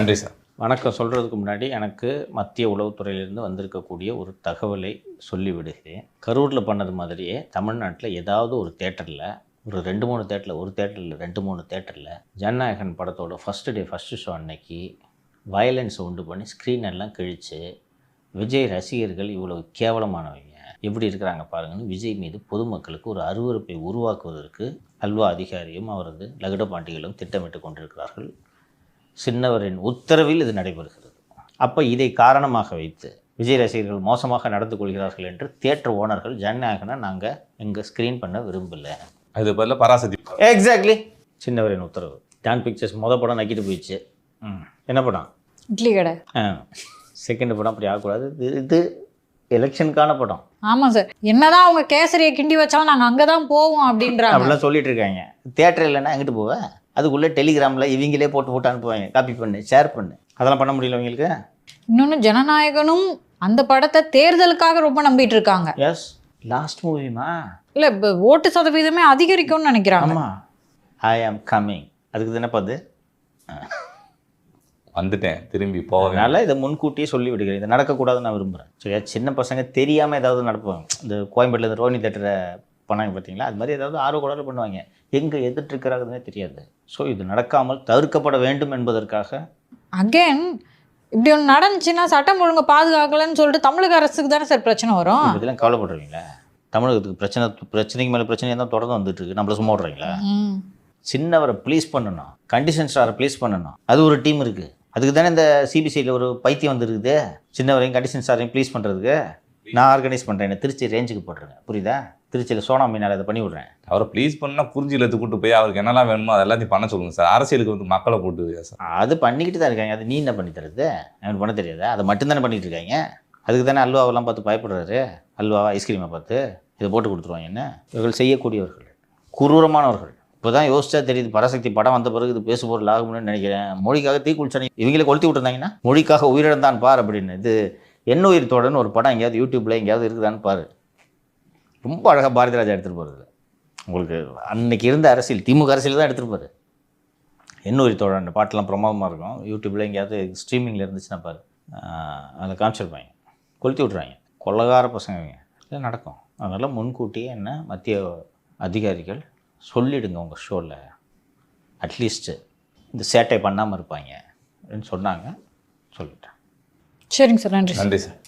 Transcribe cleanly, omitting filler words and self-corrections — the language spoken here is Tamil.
நன்றி சார். வணக்கம் சொல்கிறதுக்கு முன்னாடி எனக்கு மத்திய உளவுத்துறையிலிருந்து வந்திருக்கக்கூடிய ஒரு தகவலை சொல்லிவிடுகிறேன். கரூரில் பண்ணது மாதிரியே தமிழ்நாட்டில் ஏதாவது ஒரு தேட்டரில் ஒரு 2-3 தேட்டரில், ஒரு தேட்டரில் 2-3 தேட்டரில் ஜனநாயகன் படத்தோட ஃபஸ்ட்டு ஷோ அன்னைக்கு வயலன்ஸ் உண்டு பண்ணி ஸ்க்ரீன் எல்லாம் கிழித்து விஜய் ரசிகர்கள் இவ்வளோ கேவலமானவங்க எப்படி இருக்கிறாங்க பாருங்கன்னு விஜய் மீது பொதுமக்களுக்கு ஒரு அருவருப்பை உருவாக்குவதற்கு அல்வா அதிகாரியும் அவரது லகுட பாண்டிகளும் திட்டமிட்டு கொண்டிருக்கிறார்கள். சின்னவரின் உத்தரவில் இது நடைபெறுகிறது. அப்போ இதை காரணமாக வைத்து விஜய் ரசிகர்கள் மோசமாக நடந்து கொள்கிறார்கள் என்று தியேட்டர் ஓனர்கள் ஜனநாயகனை நாங்கள் எங்கள் ஸ்க்ரீன் பண்ண விரும்பலை. அது பதில் பராசக்தி. எக்ஸாக்ட்லி சின்னவரின் உத்தரவு. டான் பிக்சர்ஸ் படம் நக்கிட்டு போயிடுச்சு. என்ன படம்? இட்லி கடை. செகண்ட் படம் அப்படி ஆகக்கூடாது. இது எலெக்ஷனுக்கான படம். ஆமாம் சார், என்னதான் அவங்க கேசரியை கிண்டி வச்சாலும் நாங்கள் அங்கே தான் போவோம் அப்படின்றாங்க. அப்படிலாம் சொல்லிட்டு இருக்காங்க. தியேட்டர் இல்லைன்னா எங்கிட்டு போவேன்? அதுக்குள்ளே டெலிகிராமில் இவங்களே போட்டு அனுப்புவாங்க, காப்பி பண்ணு, ஷேர் பண்ணு. அதெல்லாம் பண்ண முடியல அவங்களுக்கு. இன்னொன்று, ஜனநாயகனும் அந்த படத்தை தேர்தலுக்காக ரொம்ப நம்பிட்டு இருக்காங்க. எஸ், லாஸ்ட் மூவிமா இல்லை, இப்போ ஓட்டு சதவீதமே அதிகரிக்கும்னு நினைக்கிறாங்க. ஆமாம், ஐ ஆம் கம்மிங். அதுக்கு தானே பார்த்து வந்துட்டேன், திரும்பி போவேன். அதனால் இதை முன்கூட்டியே சொல்லி விடுகிறேன். இது நடக்கக்கூடாதுன்னு நான் விரும்புகிறேன். சரியா? சின்ன பசங்க தெரியாமல் ஏதாவது நடப்பாங்க. இந்த கோயம்பேட்டில் இந்த ரோஹினி தேட்டரை பண்ணாங்க பார்த்தீங்களா, அது மாதிரி ஏதாவது ஆர்வக்கூடாது பண்ணுவாங்க. எங்கே எதிர்த்துருக்கிறாங்கன்னே தெரியாது. ஸோ இது நடக்காமல் தவிர்க்கப்பட வேண்டும் என்பதற்காக அகேன் இப்படி ஒன்று நடந்துச்சுன்னா சட்டம் ஒழுங்கு பாதுகாக்கலன்னு சொல்லிட்டு தமிழக அரசுக்கு தானே சார் பிரச்சனை வரும். இதெல்லாம் கவலைப்படுறீங்களா? தமிழகத்துக்கு பிரச்சனைக்கு மேலே பிரச்சனையாக தான் தொடர்ந்து வந்துட்டு இருக்கு. நம்மள சும்மா விட்றீங்களா? சின்னவரை ப்ளீஸ் பண்ணணும், கண்டிஷன் ஸ்டாரை ப்ளீஸ் பண்ணணும். அது ஒரு டீம் இருக்குது. அதுக்கு தானே இந்த சிபிசியில் ஒரு பைத்தியம் வந்துருக்குது. சின்னவரையும் கண்டிஷன் ஸ்டாரையும் ப்ளீஸ் பண்ணுறதுக்கு நான் ஆர்கனைஸ் பண்ணுறேன். திருச்சி ரேஞ்சுக்கு போட்டுருங்க, புரியுதா? திருச்சியில் சோனா மீனால் அதை பண்ணி விட்றேன். அவரை ப்ளீஸ் பண்ணால் புரிஞ்சிலத்து கூட்டு போய் அவருக்கு என்னெல்லாம் வேணுமோ அது எல்லாத்தையும் பண்ண சொல்லுங்கள் சார். அரசியலுக்கு வந்து மக்களை போட்டு சார் அது பண்ணிக்கிட்டு தான் இருக்காங்க. அது நீ என்ன பண்ணி தருது? எனக்கு பண்ண தெரியாதா? அதை மட்டும்தானே பண்ணிகிட்டு இருக்காங்க. அதுக்கு தானே அல்வாவெல்லாம் பார்த்து பயப்படுறாரு. அல்வாவா ஐஸ்கிரீமை பார்த்து இதை போட்டு கொடுத்துருவாங்க. என்ன இவர்கள் செய்யக்கூடியவர்கள் குரூரமானவர்கள். இப்போ தான் யோசிச்சா தெரியுது. பராசக்தி படம் வந்த பிறகு இது பேசு பொருள் ஆகும்னு நினைக்கிறேன். மொழிக்காக தீ குளிச்சானே இவங்களை கொளுத்தி விட்டுருந்தாங்கன்னா மொழிக்காக உயிரிழந்தான் பார் அப்படின்னு. இது என்ன உயிர் தோடன்னு ஒரு படம் எங்கேயாவது யூடியூப்பில் எங்கேயாவது இருக்குதான்னு பாரு. ரொம்ப அழகாக பாரதி ராஜா எடுத்துகிட்டு போகிறது. உங்களுக்கு அன்னைக்கு இருந்த அரசியல், திமுக அரசியல் தான் எடுத்துகிட்டு போகுது. என்ன உயிர் தோழன் அந்த பாட்டெலாம் பிரமாதமாக இருக்கும். யூடியூப்பில் எங்கேயாவது ஸ்ட்ரீமிங்கில் இருந்துச்சுன்னா பாரு, அதில் காமிச்சிருப்பாங்க. கொளுத்தி விட்றாங்க. கொள்ளகார பசங்க இதெல்லாம் நடக்கும். அதனால் முன்கூட்டியே என்ன மத்திய அதிகாரிகள் சொல்லிவிடுங்க உங்கள் ஷோவில். அட்லீஸ்ட்டு இந்த சேட்டை பண்ணாமல் இருப்பாங்க அப்படின்னு சொன்னாங்க. சொல்லிட்டேன். சரிங்க சார், நன்றி. நன்றி சார்.